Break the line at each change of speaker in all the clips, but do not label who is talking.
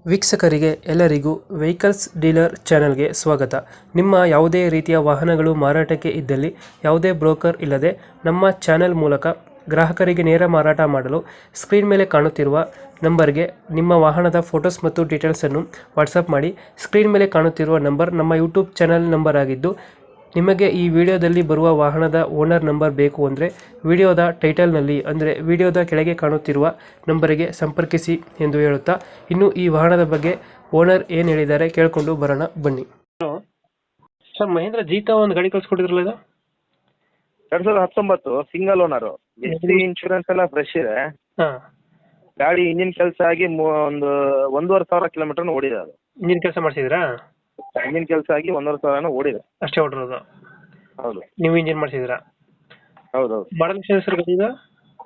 ವೀಕ್ಷಕರಿಗೆ ಎಲ್ಲರಿಗೂ vehicles dealer ಚಾನೆಲ್ಗೆ ಸ್ವಾಗತ. ನಿಮ್ಮ ಯಾವುದೇ ರೀತಿಯ ವಾಹನಗಳು ಮಾರಾಟಕ್ಕೆ ಇದ್ದಲ್ಲಿ ಯಾವುದೇ ಬ್ರೋಕರ್ ಇಲ್ಲದೆ ನಮ್ಮ ಚಾನೆಲ್ ಮೂಲಕ ಗ್ರಾಹಕರಿಗೆ ನೇರ ಮಾರಾಟ ಮಾಡಲು ಸ್ಕ್ರೀನ್ ಮೇಲೆ ಕಾಣುತ್ತಿರುವ ನಂಬರ್ಗೆ ನಿಮ್ಮ ವಾಹನದ ಫೋಟೋಸ್ ಮತ್ತು ಡೀಟೇಲ್ಸನ್ನು ವಾಟ್ಸಪ್ ಮಾಡಿ. ಸ್ಕ್ರೀನ್ ಮೇಲೆ ಕಾಣುತ್ತಿರುವ ನಂಬರ್ ನಮ್ಮ ಯೂಟ್ಯೂಬ್ ಚಾನೆಲ್ ನಂಬರ್ ಆಗಿದ್ದು, ನಿಮಗೆ ಈ ವಿಡಿಯೋದಲ್ಲಿ ಬರುವ ವಾಹನದ ಓನರ್ ನಂಬರ್ ಬೇಕು ಅಂದರೆ ವಿಡಿಯೋದ ಟೈಟಲ್ನಲ್ಲಿ ಅಂದರೆ ವಿಡಿಯೋದ ಕೆಳಗೆ ಕಾಣುತ್ತಿರುವ ನಂಬರಿಗೆ ಸಂಪರ್ಕಿಸಿ ಎಂದು ಹೇಳುತ್ತಾ, ಇನ್ನು ಈ ವಾಹನದ ಬಗ್ಗೆ ಓನರ್ ಏನು ಹೇಳಿದ್ದಾರೆ ಕೇಳಿಕೊಂಡು ಬರೋಣ ಬನ್ನಿ. ಹಲೋ ಸರ್, ಮಹೇಂದ್ರ ಜೀತಾ ಒಂದು ಗಾಡಿ ಕಳ್ಸಿಕೊಟ್ಟಿದ್ರಲ್ಲ ಇದು?
2019 ಸಿಂಗಲ್ ಓನರು. ಎಸ್ ಇನ್ಶೂರೆನ್ಸ್ ಎಲ್ಲ ಫ್ರೆಶ್ ಇದೆ.
ಹಾಂ,
ಗಾಡಿ ಇಂಜಿನ್ ಕೆಲಸ ಆಗಿ ಒಂದು 1,500 ಕಿಲೋಮೀಟರ್ ಓಡಿದೆ. ಅದು
ಇಂಜಿನ್ ಕೆಲಸ ಮಾಡಿಸಿದ್ರಾ?
ಇಂಜಿನ್ ಕೆಲಸ ಆಗಿ 1,500 ಓಡಿದೆ.
ಅಷ್ಟೇ ಹೊಡಿರೋದು?
ಹೌದು.
ನೀವು ಇಂಜಿನ್ ಮಾಡಿಸಿದ್ರಾ?
ಹೌದೌದು.
ಮಾಡಲ್ ಎಷ್ಟು ಸರ್ ಗಾಡಿ ಇದು?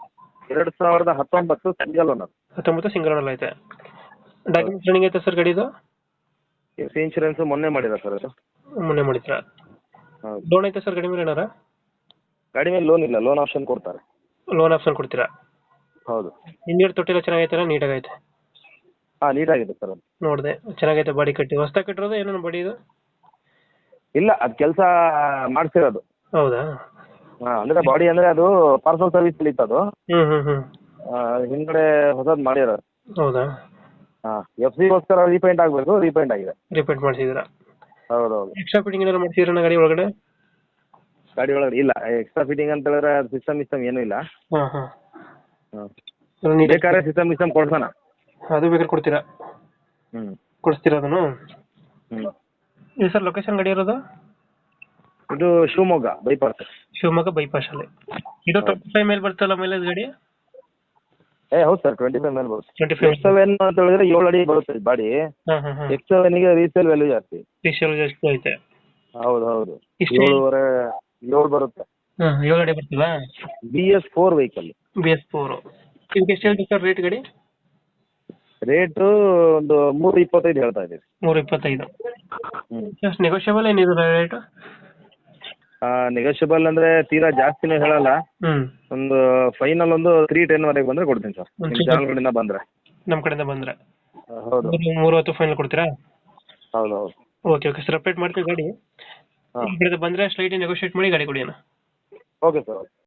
2019 ಸಿಂಗಲ್ ಓನರ್.
19 ಸಿಂಗಲ್ ಓನರ್ ಐತೆ. ಡಾಕ್ಯುಮೆಂಟ್ಸ್ ರನ್ನಿಂಗ್ ಐತೆ ಸರ್ ಗಾಡಿದು?
ಎಸ್ ಇನ್ಶೂರೆನ್ಸ್ ಮೊನ್ನೆ ಮಾಡಿದ ಸರ್ ಅದು.
ಮೊನ್ನೆ ಮಾಡಿದ್ರಾ?
ಹೌದು.
ಲೋನ್ ಐತೆ ಸರ್ ಗಾಡಿ ಮೇಲೆ ಏನಾರ?
ಗಾಡಿ ಮೇಲೆ ಲೋನ್ ಇಲ್ಲ, ಲೋನ್ ಆಪ್ಷನ್ ಕೊಡ್ತಾರೆ.
ಲೋನ್ ಆಪ್ಷನ್ ಕೊಡ್ತೀರಾ?
ಹೌದು.
ಇಂಜಿನ್ ತೊಟ್ಟಿಲ್ಲ ಚೆನ್ನಾಗೈತೆ, ನೀಟಾಗೈತೆ?
ಹಾಂ, ನೀಟಾಗಿದೆ ಸರ್ ಅದು.
ನೋಡಿದೆ ಚೆನ್ನಾಗೈತೆ. ಬಾಡಿ ಕಟ್ಟಿ ಹೊಸ್ದಾಗಿ ಕಟ್ಟಿರೋದು ಏನೋ ಬಾಡಿ ಇದು?
ಇಲ್ಲ, ಅದು ಕೆಲಸ ಮಾಡಿಸಿರೋದು.
ಹೌದಾ?
ಹಾಂ, ಅಂದರೆ ಬಾಡಿ ಅಂದರೆ ಅದು ಪಾರ್ಸಲ್ ಸರ್ವಿಸ್ ಇತ್ತು ಅದು.
ಹ್ಞೂ.
ಹಿಂದ್ಗಡೆ ಹೊಸದು ಮಾಡಿರೋದು.
ಹೌದಾ?
ಹಾಂ, ಎಫ್ ಸಿಗೋಸ್ಕರ ರೀಪೇಂಟ್ ಆಗಬೇಕು, ರೀಪೇಂಟ್ ಆಗಿದೆ.
ರಿಪೇಂಟ್ ಮಾಡಿಸಿದ್ರಾ?
ಹೌದೌದು.
ಎಕ್ಸ್ಟ್ರಾ ಫಿಟ್ಟಿಂಗ್ ಏನಾರು ಮಾಡಿಸಿದ್ರಾ ಗಾಡಿ ಒಳಗಡೆ?
ಗಾಡಿ ಒಳಗಡೆ ಇಲ್ಲ, ಎಕ್ಸ್ಟ್ರಾ ಫಿಟ್ಟಿಂಗ್ ಅಂತ ಹೇಳಿದ್ರೆ ಅದು ಸಿಸ್ಟಮ್ ಏನೂ ಇಲ್ಲ.
ಹಾಂ.
ಹಾಂ,
ನೀಟಾಗಿ
ಬೇಕಾದ್ರೆ ಸಿಸ್ಟಮ್ ಕೊಡ್ಸೋಣ.
ಅದು ಬೇಕಾದ್ರೆ ಕೊಡ್ತೀರಾ?
ಹ್ಞೂ
ಕೊಡಿಸ್ತೀರಾ ಅದನ್ನು?
ಹ್ಞೂ.
ಇದು ಸರ್ ಲೊಕೇಶನ್ ಗಾಡಿ ಇರೋದು?
ಇದು ಶಿವಮೊಗ್ಗ ಬೈಪಾಸ್.
ಶಿವಮೊಗ್ಗ ಬೈಪಾಸಲ್ಲಿ. ಇದು 25 ಮೇಲೆ ಬರ್ತಲ್ಲ ಮೈಲೇಜ್ ಗಾಡಿ?
ಹೌದು ಸರ್, 25 ಮೇಲೆ ಬರುತ್ತೆ.
25.
X7 ಅಂತ ಹೇಳಿದ್ರೆ 7 ಅಡಿ ಬರುತ್ತೆ ಬಾಡಿ.
ಹಾಂ.
X7 ರೀಸೇಲ್ ವ್ಯಾಲ್ಯೂ ಜಾಸ್ತಿ.
ಸ್ಪೆಷಲ್ ಜಾಸ್ತಿ ಐತೆ?
ಹೌದು.
ಎಷ್ಟು?
7 ಬರುತ್ತೆ.
ಹಾಂ, 7 ಅಡಿ ಬರ್ತದಾ?
BS4 vehicle.
BS4. ಇದಕ್ಕೆ ಎಷ್ಟು ಹೇಳ್ತೀವಿ ಸರ್ ರೇಟ್ ಗಾಡಿ?
ರೇಟು ಒಂದು 325 ಹೇಳ್ತಾ ಇದ್ದೀವಿ.
325.
ಹ್ಞೂ.
ಎಷ್ಟು ನೆಗೋಷಿಯಬಲ್ ಏನಿದೆ ರೇಟ್?
ನೆಗೋಷಿಯಬಲ್ ಅಂದರೆ ತೀರಾ ಜಾಸ್ತಿನೂ ಹೇಳಲ್ಲ.
ಹ್ಞೂ.
ಒಂದು ಫೈನಲ್ ಒಂದು 310 ವರೆಗೆ ಬಂದರೆ ಕೊಡ್ತೀನಿ ಸರ್, ನಿಮ್ಮ ಚಾನಲ್ ಕಡೆಯಿಂದ ಬಂದರೆ.
ನಮ್ಮ ಕಡೆಯಿಂದ ಬಂದರೆ?
ಹೌದು.
310 ಫೈನಲ್ ಕೊಡ್ತೀರಾ?
ಹೌದು.
ಓಕೆ ಸರ್, ಅಪ್ಡೇಟ್ ಮಾಡ್ತೀವಿ ಗಾಡಿ.
ಹಾಂ,
ಈ ಕಡೆ ಬಂದರೆ ಸ್ಲೈಟ್ ನೆಗೋಷಿಯೇಟ್ ಮಾಡಿ ಗಾಡಿ ಕೊಡಿ ಅಣ್ಣ.
Okay sir.